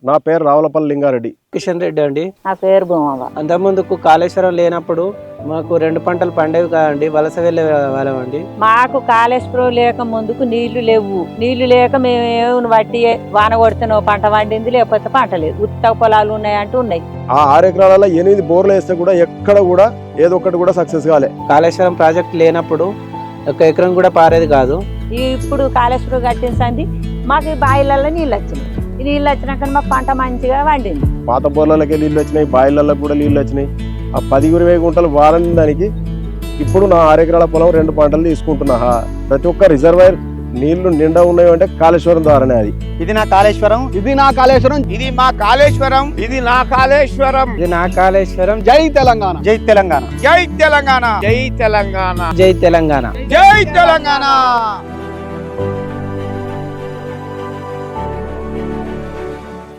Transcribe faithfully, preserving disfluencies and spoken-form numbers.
నా పేరు రావులపల్లి లింగారెడ్డి. కిషన్ రెడ్డి అండి. నా పేరు భూమవ్వ. అంతకుముందుకు కాళేశ్వరం లేనప్పుడు మాకు రెండు పంటలు పండేవి కాదండి, వలస వెళ్ళే వాళ్ళం అండి. మాకు కాళేశ్వరం లేక ముందుకు నీళ్లు లేవు. నీళ్లు లేక మేము ఏమి బట్టి వాన కొడితేనో పంట పండింది, లేకపోతే పంట లేదు. ఉత్త పొలాలు ఉన్నాయంటూ ఉన్నాయి. ఆ ఆరు ఎకరాలలో ఎనిమిది బోర్లు వేస్తే కూడా ఎక్కడ కూడా ఏదో ఒకటి కూడా సక్సెస్ కాలే. కాళేశ్వరం ప్రాజెక్ట్ లేనప్పుడు ఒక ఎకరం కూడా పారేది కాదు. ఇప్పుడు కాళేశ్వరం కట్టించండి, మాకు ఈ బాయిలలో నీళ్ళు వచ్చినాయి. ఈ నీళ్ళు వచ్చినాక మా పంట మంచిగా పండింది. పాత బోర్లకి నీళ్ళు వచ్చినాయి, బాయిలకి కూడా నీళ్ళు వచ్చినాయి. ఆ పది ఇరవై గుంటలు వారని దానికి ఇప్పుడు నా ఆరు ఎకరాల పొలం రెండు పంటలు తీసుకుంటున్నా. ప్రతి ఒక్క రిజర్వాయర్ నీళ్లు నిండా ఉన్నాయి అంటే కాళేశ్వరం ద్వారానే. అది ఇది నా కాళేశ్వరం, ఇది నా కాళేశ్వరం, ఇది మా కాళేశ్వరం, ఇది నా కాళేశ్వరం. ఇది నా కాళేశ్వరం. జై తెలంగాణ, జై తెలంగాణ, జై తెలంగాణ, జై తెలంగాణ, జై తెలంగాణ, జై తెలంగాణ.